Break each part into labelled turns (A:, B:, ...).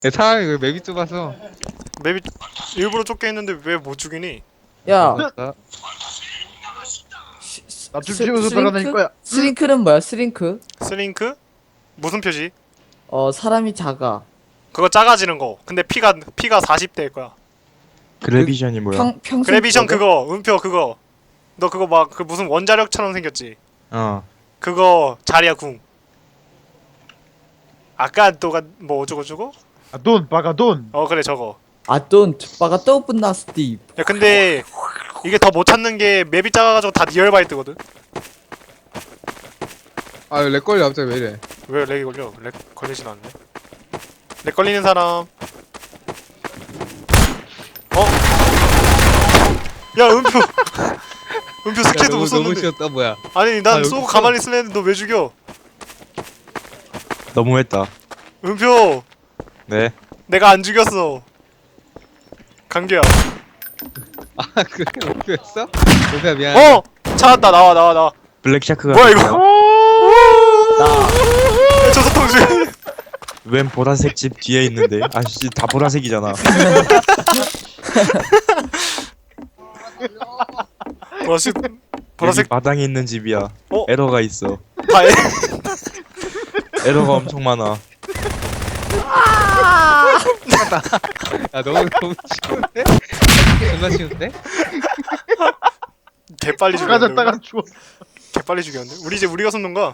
A: 사람이 왜 맵이 좁아서.
B: 맵이 일부러 좁게 했는데 왜 못 죽이니?
C: 야,
A: 맞다.
D: 나좀 찍어서 돌아다닐 거야.
C: 스링크는 뭐야? 스링크?
B: 스링크? 무슨 표지?
C: 사람이 작아.
B: 그거 작아지는 거. 근데 피가 40대일 거야.
E: 그래비션이 뭐야?
C: 평생
B: 그래비션
C: 거든?
B: 그거, 음표 그거. 너 그거 막 그 무슨 원자력처럼 생겼지?
E: 어.
B: 그거 자리야 궁. 아까 또가 뭐 어쩌고저쩌고?
D: 아, 돈 바가 돈.
B: 그래 저거.
C: don't 바가 또 끝나 스티브.
B: 야 근데 이게 더 못 찾는 게 맵이 작아가지고 다 니얼바이트거든?
A: 아, 렉 걸려, 갑자기 왜 이래.
B: 왜 렉이 걸려? 렉 걸리진 않네. 렉 걸리는 사람. 야 음표. 음표 스킬도 못
A: 너무
B: 썼는데.
A: 쉬웠다, 뭐야.
B: 아니 난
A: 여기
B: 쏘고
A: 있어.
B: 가만히 있으려 했는데 너 왜 죽여?
E: 너무했다.
B: 음표.
E: 네.
B: 내가 안 죽였어. 강규야.
A: 아, 그게 목표였어? 목표야, 미안.
B: 찾았다. 나와.
E: 블랙샤크가
B: 뭐야 이거?
C: 나
B: 저 소통 중.
E: 웬 보라색 집 뒤에 있는데? 아씨 다 보라색이잖아.
B: 보라색
E: 여기
B: 보라색
E: 마당에 있는 집이야.
B: 어?
E: 에러가 있어.
B: 다
E: 에러가 엄청 많아.
A: 야, 너무 쉬운데? 존나 쉬운데?
B: 개빨리 죽였는데.
D: 가졌다가 죽어.
B: 개빨리 죽였는데. 우리 이제 우리가 손는 거야.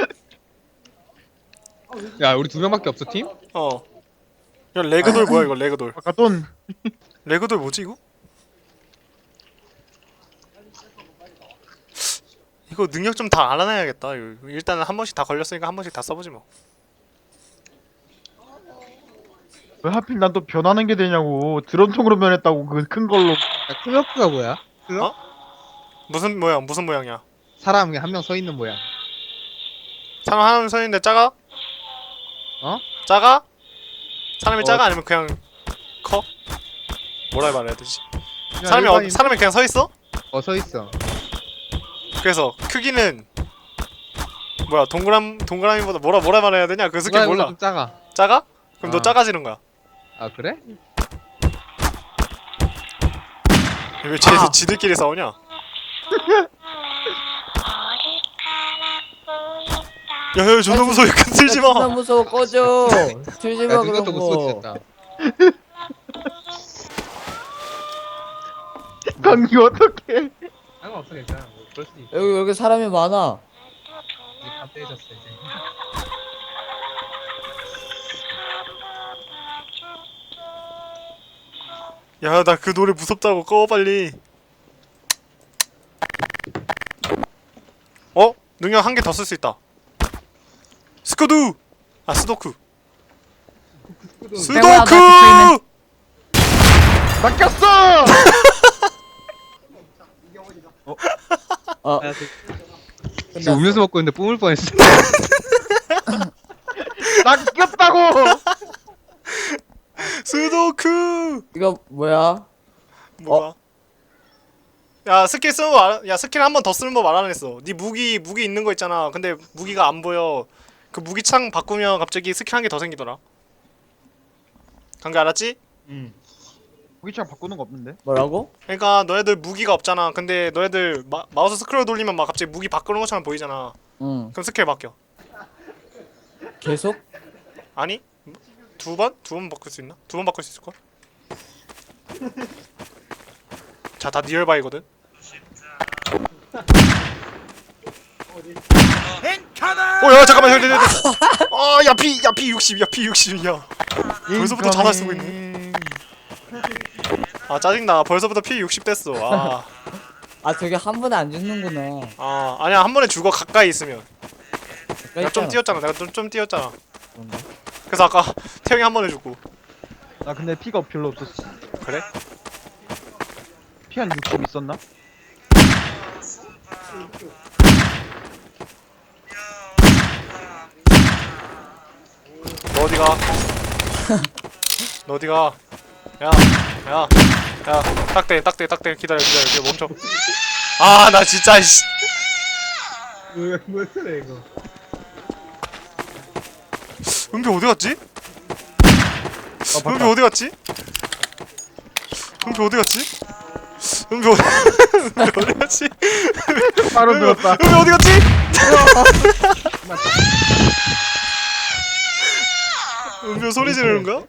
A: 야, 우리 2명밖에 없어, 팀?
B: 야 레그돌 뭐야 이거 레그돌.
D: 바가 돈.
B: 레그돌 뭐지 이거? 이거 능력 좀 다 알아놔야겠다. 이거 일단은 한 번씩 다 걸렸으니까 한 번씩 다 써보지 뭐.
D: 왜 하필 난 또 변하는 게 되냐고. 드론통으로 변했다고 그 큰 걸로.
A: 야, 클럭크가 뭐야?
B: 무슨 모양이야?
A: 사람이 한 명 서 있는 모양.
B: 사람 하나 서 있는데 작아? 작아? 사람이 작아 아니면 그냥 커? 뭐라 말해야 되지? 사람이 그냥 서 있어?
A: 서 있어.
B: 그래서 크기는 뭐야 동그라미보다 뭐라 말해야 되냐? 그 스킬 몰라.
A: 좀 작아.
B: 작아? 그럼 너
A: 어.
B: 작아지는 거야.
A: 아, 그래?
B: 왜 쟤들 지들끼리 싸우냐? 야 존나 무서워. 약간 들지
C: 존나
B: 마.
C: 무서워 꺼져. 들지
A: 야,
C: 마 그런
A: 이것도 못
C: 거.
A: 쏘겠다.
D: 강기 어떡해.
A: 상관없어, 괜찮아. 뭐, 그럴 수 있어.
C: 여기 사람이 많아.
A: 이제 다 떼졌어, 이제.
B: 야 나 그 노래 무섭다고 꺼 빨리. 능력 한 개 더 쓸 수 있다. 스쿠두! 아 스도쿠. 스도쿠!
D: 낚였어.
A: 야, 지금 음료수 먹고 있는데 뿜을 뻔했어.
D: 낚였다고.
B: 스도쿠!
C: 이거 뭐야?
B: 뭐야? 야 스킬 쓰는 거 야 스킬 한 번 더 쓰는 법 알아냈어. 네 무기 있는 거 있잖아. 근데 무기가 안 보여. 그 무기 창 바꾸면 갑자기 스킬 한 개 더 생기더라. 간 거 알았지?
D: 무기창 바꾸는 거 없는데?
C: 뭐라고?
B: 그러니까 너네들 무기가 없잖아. 근데 너네들 마우스 스크롤 돌리면 막 갑자기 무기 바꾸는 것처럼 보이잖아.
C: 응.
B: 그럼 스킬 바뀌어.
C: 계속?
B: 아니? 두 번? 두 번 바꿀 수 있나? 두 번 바꿀 수 있을걸? 자, 다 니얼바이거든? 야, 잠깐만, 형, 야, 피 60, 야, 피 60, 야. 벌써부터 자살 쓰고 있네. 아, 짜증나. 벌써부터 피 60 됐어.
C: 저게 한 번에 안 죽는구나.
B: 아니야, 한 번에 죽어, 가까이 있으면. 내가 좀
C: 있잖아.
B: 뛰었잖아, 내가 좀 뛰었잖아.
C: 그런가?
B: 그래서 아까 태형이 한 번에 죽고.
D: 나 근데 피가 별로 없었어.
B: 그래?
D: 피 한 60 있었나?
B: 너 어디가? 너 어디가? 야, 딱대, 기다려, 이제 멈춰. 나 진짜, 씨.
A: 뭐 그래, 이거.
B: 은비 어디 갔지? 은비 어디 갔지? 은비 어디 갔지? 은비 어디 어디 갔지?
D: 바로 들었다.
B: 은비 어디 갔지? 은비 소리 지르는 거야?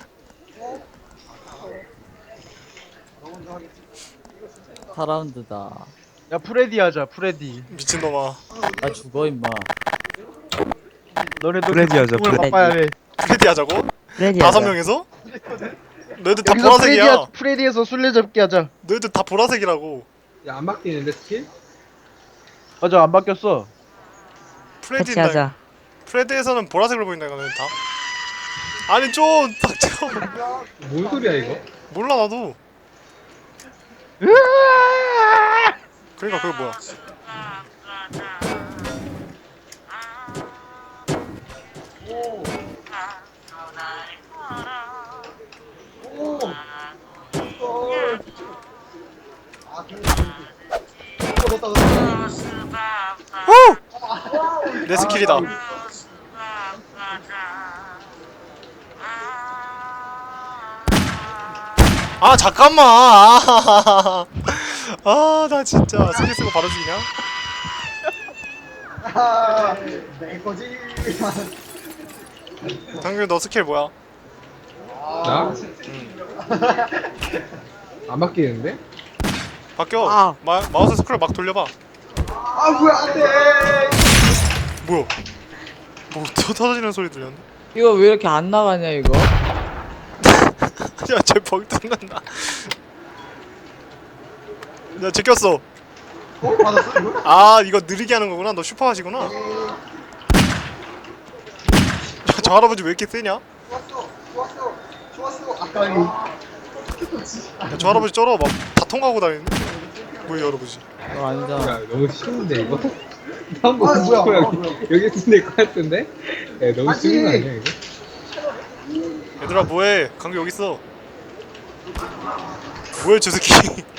C: 사라운드다
D: 야 프레디 하자 프레디.
B: 미친놈아.
C: 나 죽어 임마.
D: 너네도
E: 프레디 하자,
D: 꿈을
E: 프레디.
D: 바빠야 해.
B: 프레디 하자고?
F: 프레디
B: 5명에서? 너희들 다
D: 여기서
B: 보라색이야.
D: 프레디에서 술래잡기 하자.
B: 너희들 다 보라색이라고.
A: 야, 안 바뀌는데 스킬?
D: 맞아 안 바뀌었어.
B: 프레디
F: 같이 하자.
B: 프레디에서는 보라색으로 보인다 이거는 다. 아니 좀 닥쳐.
A: 뭔 소리야 이거?
B: 몰라 나도. 그러니까 그게 뭐야? 내 스킬이다. 아 잠깐만. 아 나 진짜 스킬 쓰고 바로 죽이냐? 당근 너 스킬 뭐야?
A: 나? 안 바뀌는데?
B: 바뀌어. 마우스 스크롤 막 돌려봐.
A: 아 뭐야 안돼!
B: 뭐야? 뭐 터지는 소리 들렸네.
C: 이거 왜 이렇게 안 나가냐 이거?
B: 야쟤 벙 뜯는다. 야 제꼈어. 아 이거 느리게 하는 거구나. 너 슈퍼 하시구나. 야, 저 할아버지 왜 이렇게 세냐? 야, 저 할아버지 쩔어 막 다 통과하고 다니는데. 뭐야 할아버지?
C: 이거 아니잖아.
A: 야 너무 쉬운데 이거? 한번 뭐야 여기 있을 것 같은데? 야 너무 쉬운 거 아니야 이거?
B: 얘들아 뭐해? 강규 여기 있어. 뭐야 저 새끼?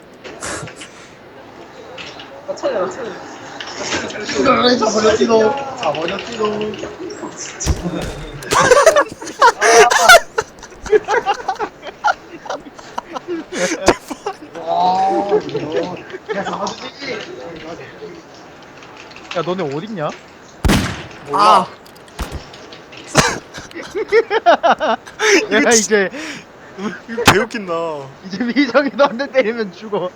D: 야 너네 어딨냐?
B: 몰라.
D: 야 이제
B: 이거 개웃긴다.
D: 이제 미정이 너한테 때리면 죽어.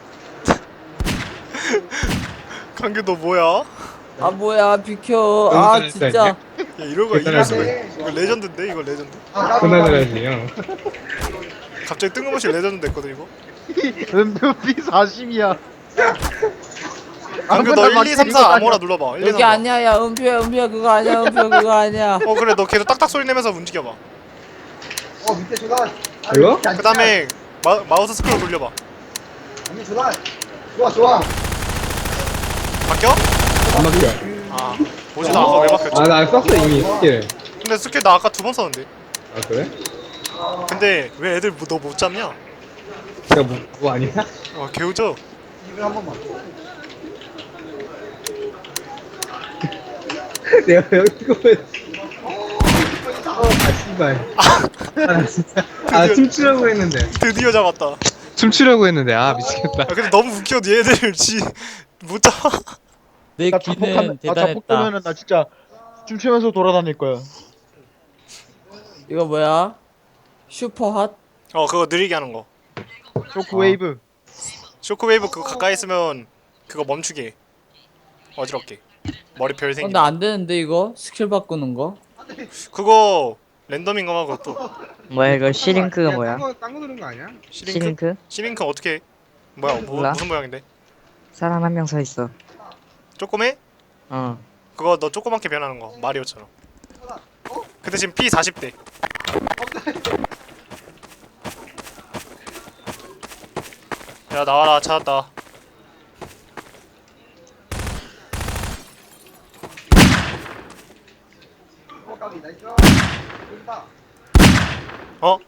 B: 강규 너 뭐야?
C: 아 뭐야 비켜. 아
A: 잘했다,
C: 진짜.
B: 야 이럴 수가
A: 대단하네.
B: 있어. 이거 레전드인데 이거 레전드.
A: 그나저나지 형.
B: 갑자기 뜬금없이 레전드 됐거든 이거.
D: 은비 40이야.
B: 강규 너 1, 2, 3, 4 아무거나 눌러봐. 1, 2, 3,
C: 여기
B: 4.
C: 아니야 야 은표야 그거 아니야 은표 그거 아니야.
B: 어 그래 너 계속 딱딱 소리 내면서 움직여봐.
A: 이거?
B: 그 다음에 마우스 스크롤 돌려봐. 바뀌어?
A: 안 바뀌어.
B: 아 뭐지 나 아까 왜 바뀌었지?
A: 아나 썼어 이미 스킬.
B: 근데 스킬 나 아까 2번 썼는데.
A: 아 그래?
B: 근데 왜 애들 너 못 잡냐?
A: 내가 뭐 아니야?
B: 개우죠?
A: 내가 여기 보면 아 씨발 아 진짜 아 춤추려고 했는데
B: 드디어 잡았다.
A: 춤추려고 했는데 아 미치겠다.
B: 아 근데 너무 웃겨 얘들 못 잡아.
C: 내
D: 나
C: 귀는
D: 자폭
C: 대단했다.
D: 되면은 나 진짜 춤추면서 돌아다닐 거야.
C: 이거 뭐야? 슈퍼 핫?
B: 그거 느리게 하는 거.
D: 쇼크웨이브.
B: 쇼크웨이브 그거 가까이 있으면 그거 멈추게 해. 어지럽게 머리 별
C: 근데
B: 생기.
C: 안 되는데 이거 스킬 바꾸는 거?
B: 그거 랜덤인가 봐 그것도.
F: 뭐야 이거 시링크가 뭐야?
A: 딴거 누른 거 아니야?
B: 시링크?
F: 시링크?
B: 어떻게 해? 뭐야
F: 몰라.
B: 무슨 모양인데?
F: 사람 한 명 서 있어.
B: 조그매?
F: 어.
B: 그거 너 조그맣게 변하는 거 마리오처럼. 근데 지금 P 40대. 야 나와라 찾았다. 어?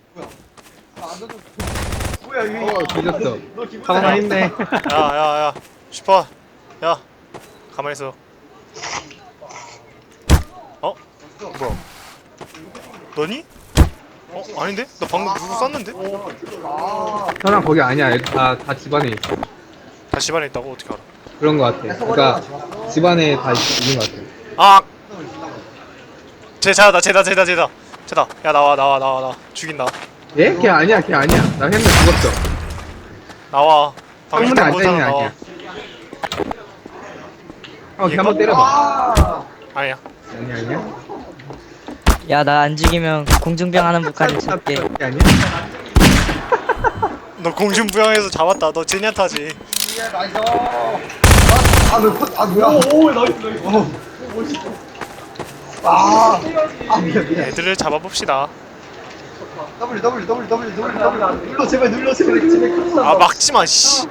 A: 뒤졌어. 하나 있네.
B: 야야야 슈퍼 야 가만히 있어. 어? 뭐야 너니? 아닌데? 나 방금 누구 쐈는데?
A: 현아 거기 아니야. 다 집안에 있어.
B: 다 집안에 있다고? 어떻게 알아?
A: 그런 거 같아. 그러니까 집안에 다 있는 거 같아.
B: 아! 쟤다. 야 나와. 죽인다.
A: 얘? 걔 아니야. 나 했는데 죽었어.
B: 나와.
A: 창문에
B: 방금
A: 앉아있는 애
B: 나와.
A: 아니야. 걔 한번 때려봐.
B: 아니야.
A: 아니야.
F: 야, 나 안 죽이면 공중병 하는 북한을 쏠게.
A: 걔 아니야?
B: 너 공중부양해서 잡았다. 너 제니아타지. 애들을 잡아봅시다.
G: 눌러 제발.
B: 아 막지마 씨.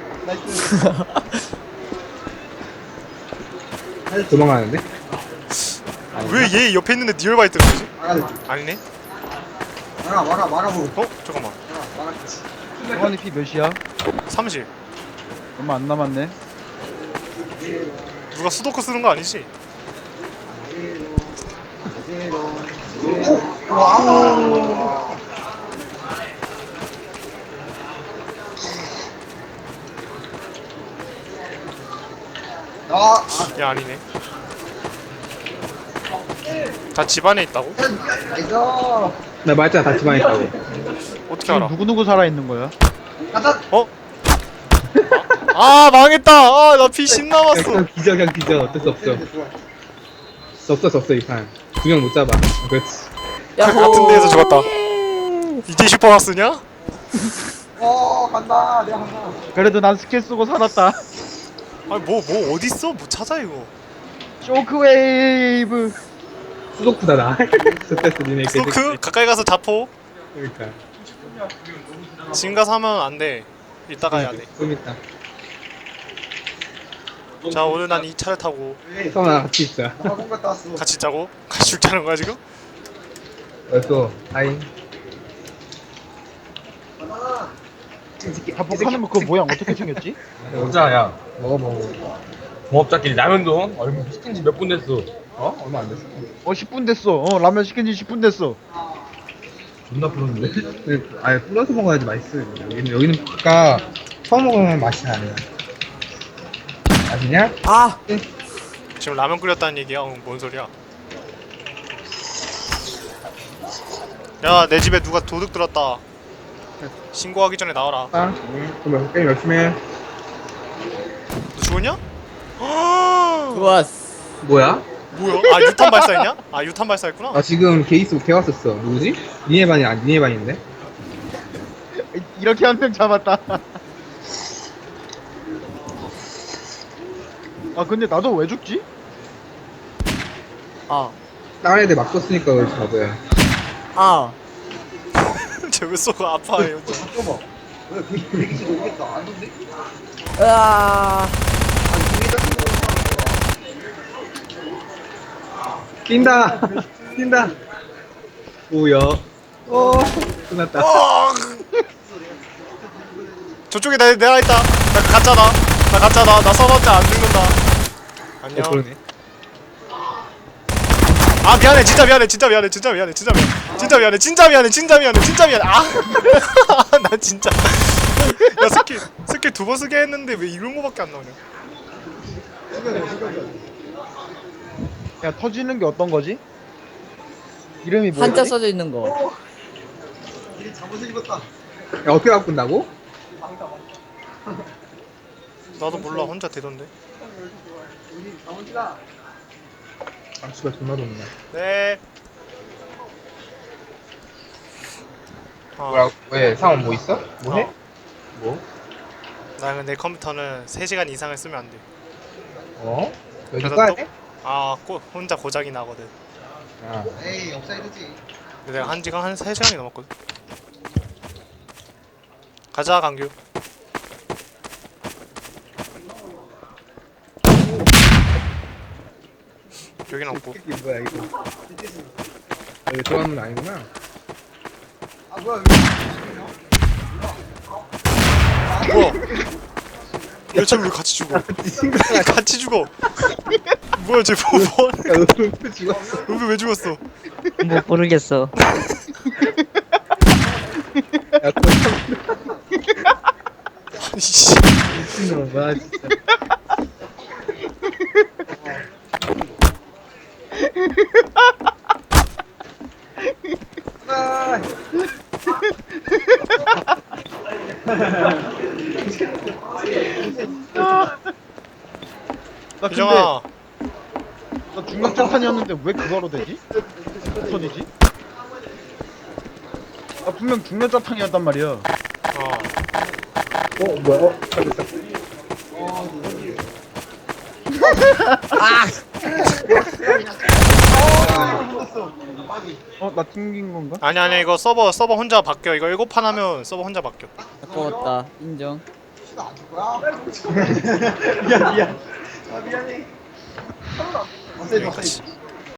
A: 도망가는데?
B: 왜 얘 옆에 있는데 니얼바이트를 거지? 아니네.
G: 막아보.
B: 어? 잠깐만.
D: 성환이 피 몇이야?
B: 30.
D: 얼마 안 남았네.
B: 누가 수도크 쓰는 거 아니지? 야 아니네. 다 집안에 있다고?
A: 나 말했잖아. 다 집안에 있다고.
B: 어떻게
D: 지금
B: 알아?
D: 누구 살아 있는 거야?
B: 어? 아 망했다. 아 나 피 10 남았어.
A: 그냥 기저. 어쩔 수 없어. 졌어 이 판. 두 명 못 잡아. 그렇지.
C: 야호.
B: 같은 데에서 죽었다. 이제 슈퍼마스냐?
G: 간다. 내가 간다.
D: 그래도 난 스킬 쓰고 살았다.
B: 아니 뭐 어딨어? 뭐 찾아 이거.
D: 쇼크웨이브.
A: 수도쿠다 나. 스트레스 니네
B: 수도크? 가까이 가서 자포.
A: 그러니까.
B: 지금 가서 하면 안 돼. 이따가 해야 돼.
A: 좀 있다.
B: 자 오늘 난 이 차를 타고
A: 성아 같이 있자.
G: 학원 갔다 왔어.
B: 같이 짜고 같이 죽자는 거야 지금?
A: 어서 하이.
D: 자폭하는 거 그 모양 어떻게 생겼지?
H: 여자야
A: 먹어.
H: 동업자끼리 라면도 얼마 시킨 지 몇 분 됐어.
A: 얼마 안 됐어.
D: 10분 됐어. 라면 시킨 지 10분 됐어.
H: 존나 부르는데?
A: 아예 뿌려서 먹어야지 맛있어. 여기는 아까 처음 먹으면 맛이 나네. 아시냐?
C: 아
B: 지금 라면 끓였다는 얘기야? 뭔 소리야? 야 내 집에 누가 도둑 들었다. 신고하기 전에 나와라.
A: 그럼 게임 열심히 해.
B: 너 죽었냐?
C: 좋았어.
A: 뭐야?
B: 뭐야? 아 유탄 발사했냐? 아 유탄 발사했구나.
A: 나 지금 게이스 개 왔었어. 누구지? 니네 반이 아니 니네 반인데?
D: 이렇게 한 명 잡았다. 아 근데 나도 왜 죽지?
A: 다른 애들 막 썼으니까 그렇지 바보야.
B: 쟤왜 쏘고 아파해 혼자.
G: 잠깐만. 왜 대기실 오겠다. 안 좋네?
C: 으아.
A: 낀다. 오야. 끝났다.
B: 저쪽에 내가 있다. 나 가짜다. 나 써봤자 안 죽는다. 안녕.
A: 그러네.
B: 아 미안해. 진짜 미안해. 아. 나 진짜. 야 스킬 2번 쓰게 했는데 왜 이런 거밖에 안 나오냐?
D: 야 터지는 게 어떤 거지? 이름이 뭐지?
C: 한자 써져 있는 거.
G: 일이 잠옷을 입었다.
A: 야 어떻게 바꾼다고?
B: 나도 몰라. 혼자 되던데.
G: 우리 잠옷이다.
A: 악수가 존나 좋네.
B: 네.
A: 뭐야? 왜 상원 뭐 있어? 뭐 해? 뭐?
B: 나 근데 컴퓨터는 3시간 이상을 쓰면 안 돼.
A: 여기
B: 그래서
A: 꺼야
B: 또-
A: 돼?
B: 혼자 고장이 나거든.
A: 아.
G: 에이, 업사이드지.
B: 근데 내가 한 3시간이 넘었거든. 가자 강규. 여긴 없고.
A: 이게 뭐야 이거? 여기 들어가는 건 아니구나.
G: 아, 뭐야,
B: 뭐야? 야쟤왜 같이 죽어? 같이 죽어. 뭐야 쟤 뭐?
A: 야, 너 죽었어.
B: 은비 왜 죽었어?
F: 뭐 모르겠어.
A: 야 거참
B: 씨.
A: 미친놈 와 진짜.
G: 아,
D: 나 근데
B: 유정아
D: 나 중력장판이었는데 왜 그거로 되지? 턴이지? 나 분명 중력장판이었단 말이야.
B: 어
A: 뭐야? 잘됐다.
D: 나 튕긴 건가?
B: 아니 이거 서버 혼자 바뀌어. 이거 7판 하면 서버 혼자 바뀌어.
C: 아까웠다. 인정.
G: 시도 안줄 거야?
A: 미안.
G: 아, 미안해. 없애줘, 없애줘.